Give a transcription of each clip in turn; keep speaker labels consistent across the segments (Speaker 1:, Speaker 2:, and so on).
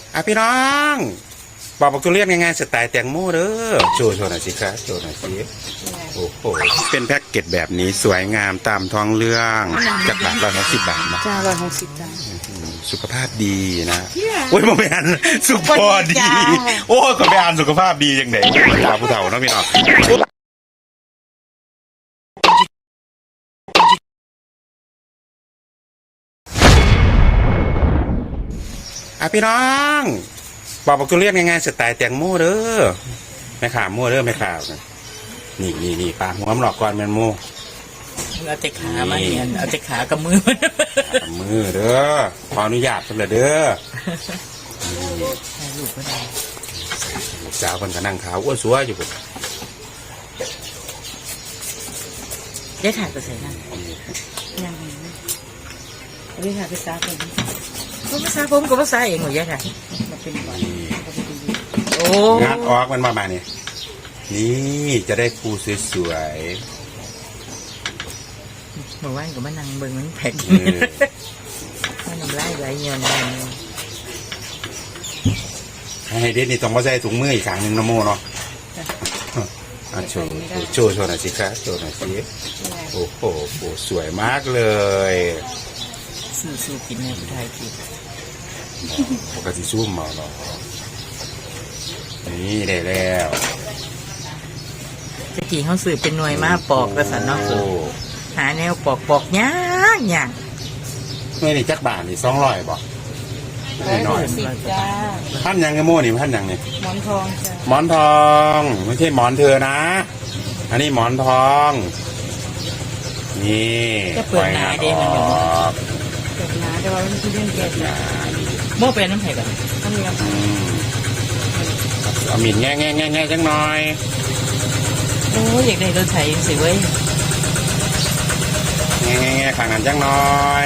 Speaker 1: พี่น้องปอกทุเรียนง่ายๆสไตล์แตงโมเด้อโชว์หน่อยสิครับโชว์หน่อยสิโอ้โหเป็นแพ็กเกจแบบนี้สวยงามตามท้องเรื่องจากบาท160 บาทนะ
Speaker 2: จ้า160จ้า
Speaker 1: สุขภาพดีนะโอ้ยมาไปอ่านสุขภาพดีโอ้ยก็ไปอ่านสุขภาพดียังไงตาผู้เฒ่าเนาะพี่น้องพี่น้องปอกทุเรียนง่ายๆสไตล์แตงโมเด้อไม่ขาโม่เด้อไม่ขานี่ปลาหัวมันหลอกก่อนแมนโม
Speaker 2: เอาแต่ขามาเนี่ยเอาแต่ขากับมือ
Speaker 1: เด้อขออนุญาตสำเร็จเด้อ
Speaker 2: ลูกก็ได้
Speaker 1: ลูกสาวคนก็นั่งขาวอ้วนสัวอยู่ปุ๊บ
Speaker 2: ได้ถ่ายตัวใส่นั่นยังไงได้ถ่ายไปซาผมก็ภาษาผมก็ภาษาเองหมดยังไงมาเป็นก่อนโอ้
Speaker 1: งานออกมันมาเนี่ยนี่จะได้ปูสวย
Speaker 2: เมื่อวานก็มานั่งเบิ่งมันแพ็คมันน้ำลายไหลเงี้ยนะ
Speaker 1: ให้เด็ดนี่ต้องมาใส่ถุงมืออีกครั้งหนึ่งนะโมเนาะโชว์หน่อยสิครับโชว์หน่อยสิโอ้โหปูสวยมากเลย
Speaker 2: สู้กินในผู้ไทยกิน
Speaker 1: ปกติสู้มาเนาะนี่ได้แล้ว
Speaker 2: ตะกี้เขาสื่อเป็นหน่วยมาปอกกระสันนอกสุดหาแนวปอกยาก
Speaker 1: เมื่อนี่จักบาทนี่200บ่น้อย
Speaker 2: 160จ้า
Speaker 1: ท่านยังไงโม่นี่ท่านยังนี่
Speaker 2: หมอนทองจ้า
Speaker 1: หมอนทองไม่ใช่หมอนเธอนะอันนี้หมอนทองนี่
Speaker 2: จะเปิดหนาเด้มันเปิดหนาแต่ว่ามันคือเรื่องแก่หนาโม่เป็นน้ำไผ่ก่อนน้ำเลี้ยง
Speaker 1: เอาหมิ่นแง่จังหน่อย
Speaker 2: โอ้อยากได้รถไถสิเว้ย
Speaker 1: แง่ขางนั้นจังหน่อย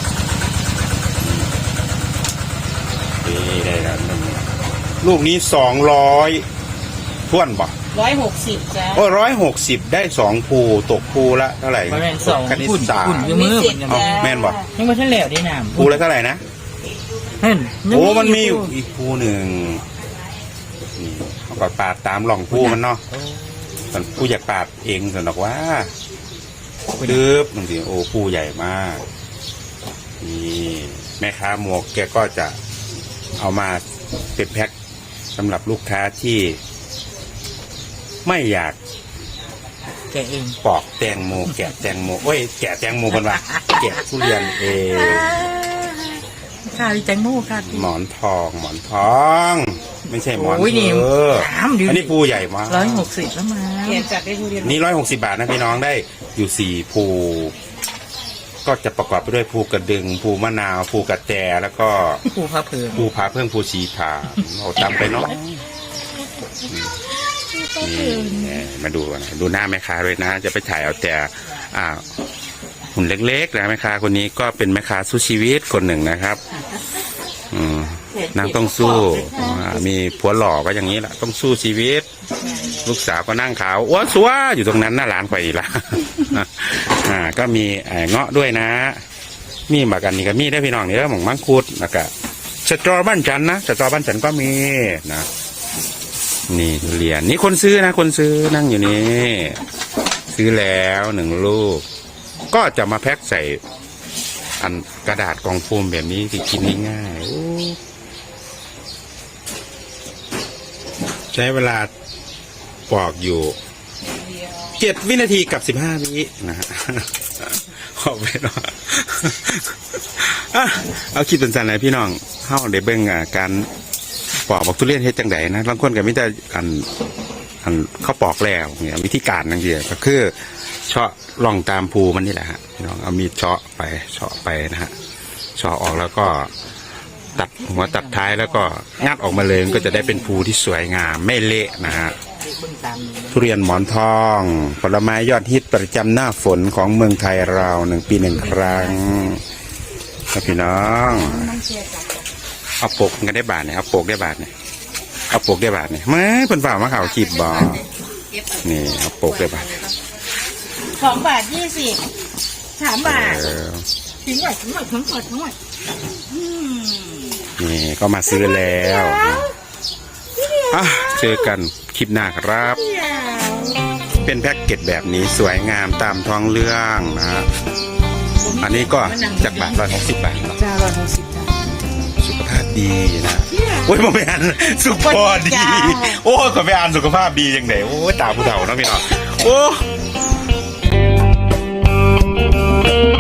Speaker 1: นี่ได้แล้วลูกนี้200ท้วนบ่
Speaker 2: 160จ้า
Speaker 1: โอ้160ได้2ภูตกภูละเท่าไหร่
Speaker 2: คณิตศาสตร์มือ
Speaker 1: แม่นบ่
Speaker 2: ยังไม่ทันแล้วได้น้
Speaker 1: ำภูละเท่าไหร่นะโอ้มันมีอีกภูหนึ่งนี่เขาก็ปาดตามหล่องภูมันเนาะผู้อยากปาดเองสนุกว่าดื้อบางทีโอ้ภูใหญ่มากนี่แม่ค้าหมวกแกก็จะเอามาเป็นแพ็คสำหรับลูกค้าที่ไม่อยาก
Speaker 2: แกะเอง
Speaker 1: ปอกแตงโมแกะแตงโมโอ้ยแกะแตงโมกันวะแกะทุเรียนเอง
Speaker 2: ค่ะแตงโมค่ะ
Speaker 1: หมอนทองไม่ใช่หมอนเธออันนี้ภูใหญ่มาก
Speaker 2: 160แล้วมาเขียนจัดได้ทุเรียน
Speaker 1: นี่160 บาทนะพี่น้องได้อยู่4ภูก็จะประกอบไปด้วยภูกระดึงภูมะนาวภูกระแตแล้วก็
Speaker 2: ภูผาเพิ่ง
Speaker 1: ภูชีผาเอาตามไปเนาะนี่มาดูหน้าแม่ค้าด้วยนะจะไปถ่ายเอาแต่หุ่นเล็กๆนะแม่ค้าคนนี้ก็เป็นแม่ค้าสู้ชีวิตคนหนึ่งนะครับนางต้องสู้มีผัวหล่อก็อย่างนี้แหละต้องสู้ชีวิตลูกสาวก็นั่งขาวอ้วนสัวอยู่ตรงนั้นหน้าร้านไปละก็มีเงาะด้วยนะมีหมากกันนี่ก็มีได้พี่น้องนี่แล้วหม่องมังคุดแล้วก็สตรอบ้านจันนะสตรอบ้านจันก็มีนะนี่ทุเรียนนี่คนซื้อนะคนซื้อนั่งอยู่นี่ซื้อแล้ว1 ลูกก็จะมาแพ็คใส่อันกระดาษกล่องโฟมแบบนี้ที่กินง่ายๆใช้เวลาปอกอยู่7 วินาทีกับ15 วินะฮะขอบไปเนาะเอาคิดเป็นสันไหนพี่น้องเข้าเดี๋ยวเบิ่งการปอกทุเรียนเฮ็ดจังไดนะบางคนก็ไม่ได้อันเขาปอกแล้วเนี่ยวิธีการนั่นเดียวก็คือเฉาะล่องตามภูมันนี่แหละฮะพี่น้องเอามีดเฉาะไปนะฮะเฉาะออกแล้วก็ตัดหัวตัดท้ายแล้วก็งัดออกมาเลยก็จะได้เป็นภูที่สวยงามไม่เละนะฮะทุเรียนหมอนทองผลไม้ยอดฮิตประจำหน้าฝนของเมืองไทยเรา1 ปี 1 ครั้งครับพี่น้องเอาปกกันได้บาทเนี่ยเอาปกได้บาทเนี่ยเอาปกได้บาทเนี่ยไม่เพิ่นฝ่ามาข่าวขีดบ่นี่เอาปกได้บาท
Speaker 2: 2 บาท 20 3 บาทถึงหน่อย
Speaker 1: นี่ก็มาซื้อแล้วอ่ะเจอกันคลิปหน้าครับ เป็นแพ็กเกจแบบนี้สวยงามตามท้องเรื่องนะฮะอันนี้ก็จากบาท160 บาทเนาะ
Speaker 2: จ้า160จ้า
Speaker 1: สุขภาพดีนะโอ้ยผมไปอ่านสุขภาพดีโอ้ยก็ไปอ่านสุขภาพดียังไงโอ้ยตาผู้เฒ่าเนาะพี่น้องโอ้